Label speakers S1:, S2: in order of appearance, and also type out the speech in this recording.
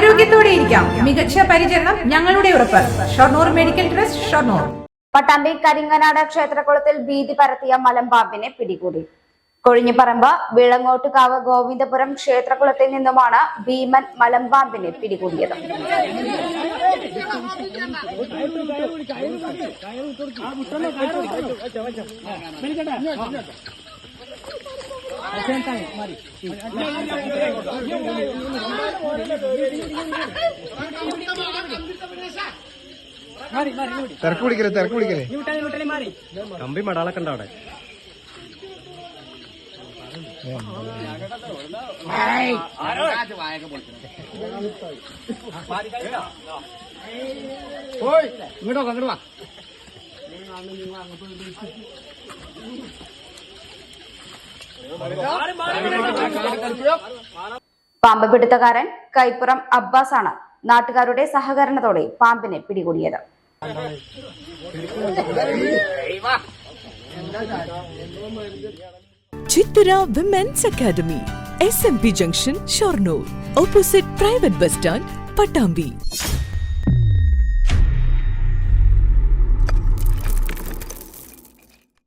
S1: ആരോഗ്യത്തോടെ ഇരിക്കാം. മികച്ച പരിചരണം ഞങ്ങളുടെ ഉറപ്പ്. Shoranur medical trust, Shoranur.
S2: പട്ടാമ്പി കരിങ്ങനാട് ക്ഷേത്രകുളത്തിൽ ഭീതി പരത്തിയ മലമ്പാമ്പിനെ പിടികൂടി. കൊഴിഞ്ഞിപ്പറമ്പ് വിളങ്ങോട്ടുകാവ് ഗോവിന്ദപുരം ക്ഷേത്രകുളത്തിൽ നിന്നുമാണ് ഭീമൻ മലമ്പാമ്പിനെ പിടികൂടിയത്.
S3: തിരക്ക് പിടിക്കലേ കമ്പി മടാളൊക്കെ ഉണ്ട് അവിടെ.
S4: ഇങ്ങോട്ടോ വാ.
S2: പാമ്പ് പിടുത്തക്കാരൻ കൈപ്പുറം അബ്ബാസ് ആണ് നാട്ടുകാരുടെ സഹകരണത്തോടെ പാമ്പിനെ പിടികൂടിയത്.
S5: Chithara women's academy, SMP junction, Shoranur, opposite private bus stand, Pattambi.